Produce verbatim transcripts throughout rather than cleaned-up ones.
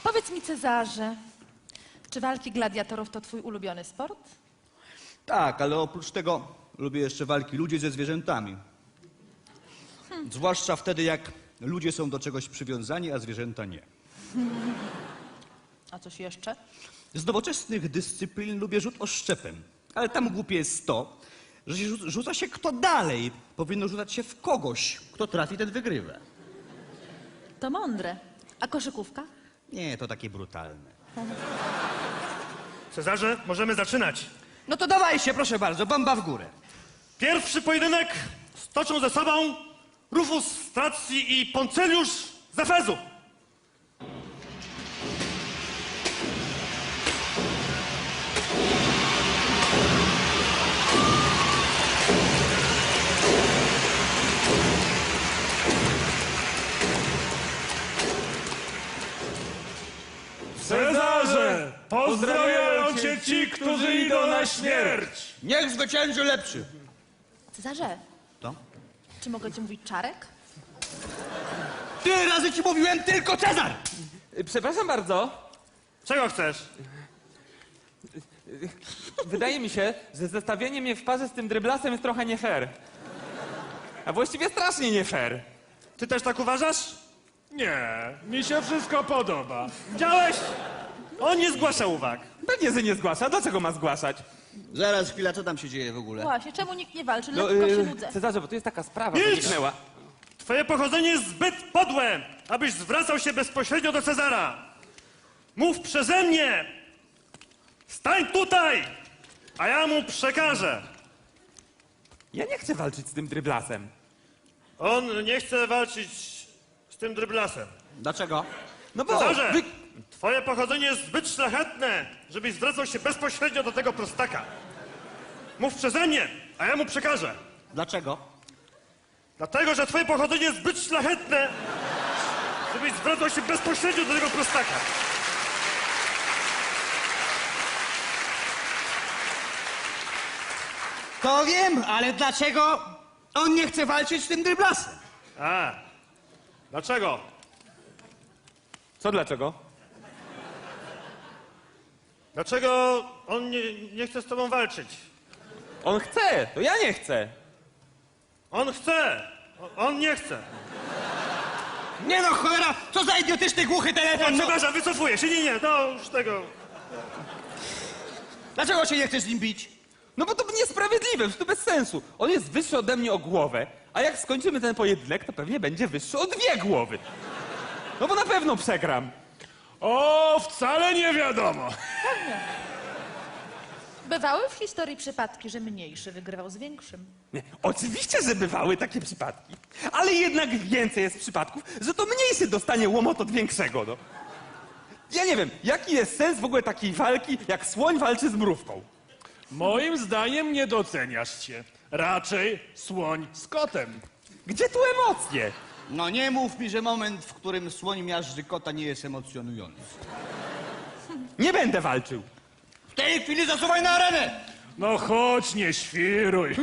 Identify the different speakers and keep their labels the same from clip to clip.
Speaker 1: Powiedz mi, Cezarze, czy walki gladiatorów to twój ulubiony sport?
Speaker 2: Tak, ale oprócz tego lubię jeszcze walki ludzi ze zwierzętami. Hmm. Zwłaszcza wtedy, jak ludzie są do czegoś przywiązani, a zwierzęta nie.
Speaker 1: A coś jeszcze?
Speaker 2: Z nowoczesnych dyscyplin lubię rzut oszczepem, ale tam głupie jest to, że się rzu- rzuca się kto dalej. Powinno rzucać się w kogoś. Kto trafi, ten wygrywa.
Speaker 1: To mądre. A koszykówka?
Speaker 2: Nie, to takie brutalne.
Speaker 3: Cezarze, możemy zaczynać.
Speaker 2: No to dawaj się, proszę bardzo, bomba w górę.
Speaker 3: Pierwszy pojedynek stoczą ze sobą Rufus z Tracji i Ponceliusz z Efezu.
Speaker 4: Cezarze, pozdrawiają cię ci, którzy idą na śmierć.
Speaker 2: Niech zwycięży lepszy.
Speaker 1: Cezarze,
Speaker 2: To?
Speaker 1: czy mogę ci mówić Czarek?
Speaker 2: Tyle razy ci mówiłem tylko Cezar!
Speaker 5: Przepraszam bardzo.
Speaker 3: Czego chcesz?
Speaker 5: Wydaje mi się, że zestawienie mnie w parze z tym dryblasem jest trochę nie fair. A właściwie strasznie nie fair.
Speaker 3: Ty też tak uważasz?
Speaker 4: Nie, mi się wszystko podoba.
Speaker 3: Widziałeś? On nie zgłasza uwag.
Speaker 5: Pewnie, że nie zgłasza. Dlaczego ma zgłaszać?
Speaker 2: Zaraz, chwila, co tam się dzieje w ogóle?
Speaker 1: Właśnie, czemu nikt nie walczy?
Speaker 5: No,
Speaker 1: Lekko się
Speaker 5: yy,
Speaker 1: nudzę.
Speaker 5: Cezarze, bo tu jest taka sprawa,
Speaker 3: Milcz!
Speaker 5: wyniknęła.
Speaker 3: Twoje pochodzenie jest zbyt podłe, abyś zwracał się bezpośrednio do Cezara. Mów przeze mnie. Stań tutaj, a ja mu przekażę.
Speaker 5: Ja nie chcę walczyć z tym dryblasem.
Speaker 3: On nie chce walczyć z tym dryblasem.
Speaker 2: Dlaczego?
Speaker 5: No bo...
Speaker 3: Cezarze,
Speaker 5: wy-
Speaker 3: twoje pochodzenie jest zbyt szlachetne, żebyś zwracał się bezpośrednio do tego prostaka. Mów przeze mnie, a ja mu przekażę.
Speaker 2: Dlaczego?
Speaker 3: Dlatego, że twoje pochodzenie jest zbyt szlachetne, żebyś zwracał się bezpośrednio do tego prostaka.
Speaker 2: To wiem, ale dlaczego on nie chce walczyć z tym dryblasem?
Speaker 3: A, dlaczego?
Speaker 5: Co dlaczego?
Speaker 3: Dlaczego on nie, nie chce z tobą walczyć?
Speaker 5: On chce, to ja nie chcę.
Speaker 3: On chce, o- on nie chce.
Speaker 2: Nie no, cholera, co za idiotyczny, głuchy
Speaker 3: O,
Speaker 2: telefon! No.
Speaker 3: przepraszam, wycofuję się, nie, nie, to już tego...
Speaker 2: Dlaczego się nie chcesz z nim bić?
Speaker 5: No bo to niesprawiedliwe, to bez sensu. On jest wyższy ode mnie o głowę, a jak skończymy ten pojedynek, to pewnie będzie wyższy o dwie głowy. No bo na pewno przegram.
Speaker 4: O, wcale nie wiadomo.
Speaker 1: Bywały w historii przypadki, że mniejszy wygrywał z większym.
Speaker 5: Nie, oczywiście, że bywały takie przypadki, ale jednak więcej jest przypadków, że to mniejszy dostanie łomot od większego, no. Ja nie wiem, jaki jest sens w ogóle takiej walki, jak słoń walczy z mrówką?
Speaker 4: Moim zdaniem nie doceniasz się. Raczej słoń z kotem.
Speaker 5: Gdzie tu emocje?
Speaker 2: No nie mów mi, że moment, w którym słoń miażdży kota, nie jest emocjonujący.
Speaker 5: Nie będę walczył.
Speaker 2: W tej chwili zasuwaj na arenę!
Speaker 4: No chodź, nie świruj.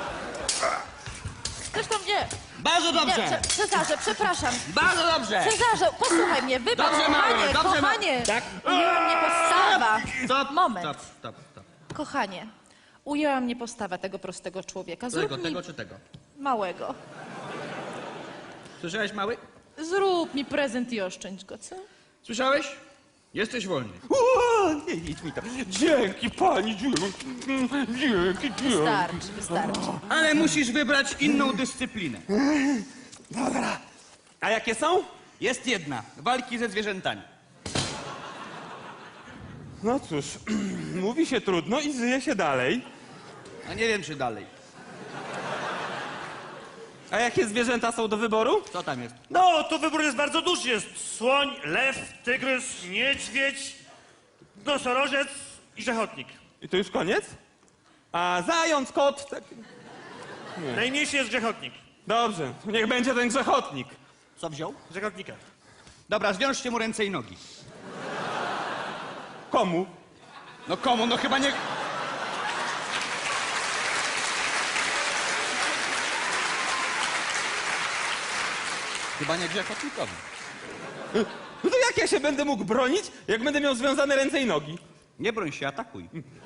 Speaker 1: Zresztą nie.
Speaker 2: Bardzo
Speaker 1: Nie,
Speaker 2: dobrze!
Speaker 1: Cze- Cezarze, przepraszam.
Speaker 2: Bardzo dobrze!
Speaker 1: Cezarze, posłuchaj mnie, wybacz,
Speaker 2: Dobrze, mały,
Speaker 1: kochanie,
Speaker 2: dobrze, ma-
Speaker 1: kochanie.
Speaker 2: Tak?
Speaker 1: Ujęła mnie postawa.
Speaker 2: Stop,
Speaker 1: Moment.
Speaker 2: Stop, stop, stop.
Speaker 1: Kochanie, ujęła mnie postawa tego prostego człowieka. Zrób
Speaker 2: Tego,
Speaker 1: mi
Speaker 2: tego czy tego?
Speaker 1: małego.
Speaker 2: Słyszałeś, mały?
Speaker 1: Zrób mi prezent i oszczędź go, co?
Speaker 2: Słyszałeś? Jesteś wolny.
Speaker 5: O, nie idź mi to. Dzięki pani, dzięki, dzięki, dzięki.
Speaker 1: Wystarczy, wystarczy.
Speaker 2: Ale musisz wybrać inną dyscyplinę.
Speaker 5: Dobra. A jakie są?
Speaker 2: Jest jedna. Walki ze zwierzętami.
Speaker 5: No cóż, mówi się trudno i żyje się dalej.
Speaker 2: A nie wiem, czy dalej.
Speaker 5: A jakie zwierzęta są do wyboru?
Speaker 2: Co tam jest?
Speaker 3: No, to wybór jest bardzo duży. Jest słoń, lew, tygrys, niedźwiedź, nosorożec i rzechotnik.
Speaker 5: I to już koniec? A zając, kot... Tak...
Speaker 3: Najmniejszy jest grzechotnik.
Speaker 5: Dobrze, niech będzie ten grzechotnik.
Speaker 2: Co wziął?
Speaker 3: Grzechotnika.
Speaker 2: Dobra, zwiążcie mu ręce i nogi.
Speaker 5: Komu?
Speaker 2: No komu? No chyba nie... Chyba nie grzechotnikowi.
Speaker 5: No to jak ja się będę mógł bronić, jak będę miał związane ręce i nogi?
Speaker 2: Nie broń się, atakuj.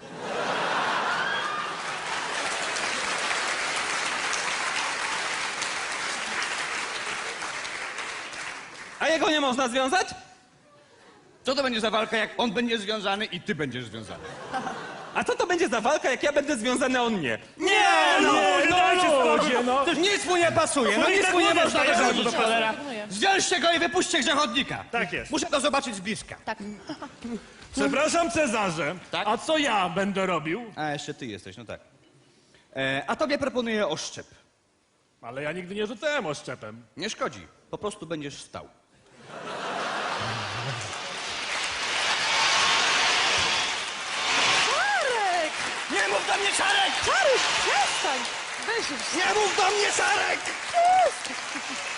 Speaker 5: A jego nie można związać?
Speaker 2: Co to będzie za walka, jak on będzie związany i ty będziesz związany?
Speaker 5: A co to będzie za walka, jak ja będę związany, a on nie?
Speaker 2: Nie,
Speaker 3: no,
Speaker 4: No
Speaker 3: dajcie spokój.
Speaker 4: ludzie, no.
Speaker 2: Nic mu nie pasuje, no
Speaker 3: No i
Speaker 2: nic
Speaker 3: tak
Speaker 2: mu nie
Speaker 3: mówię,
Speaker 2: można
Speaker 3: tak
Speaker 2: wychodzić,
Speaker 3: jest.
Speaker 2: cholera.
Speaker 1: Proponuję.
Speaker 2: Zwiążcie go i wypuśćcie grzechotnika.
Speaker 3: Tak jest.
Speaker 2: Muszę to zobaczyć z bliska.
Speaker 1: Tak.
Speaker 4: Przepraszam, Cezarze,
Speaker 2: Tak?
Speaker 4: a co ja będę robił?
Speaker 2: A, jeszcze ty jesteś, no tak. E, a tobie proponuję oszczep.
Speaker 4: Ale ja nigdy nie rzucałem oszczepem.
Speaker 2: Nie szkodzi, po prostu będziesz stał.
Speaker 1: Czarek!
Speaker 2: Nie mów do mnie, Czarek!
Speaker 1: Czaruś, przestań! Weź już.
Speaker 2: Nie mów do mnie, Czarek!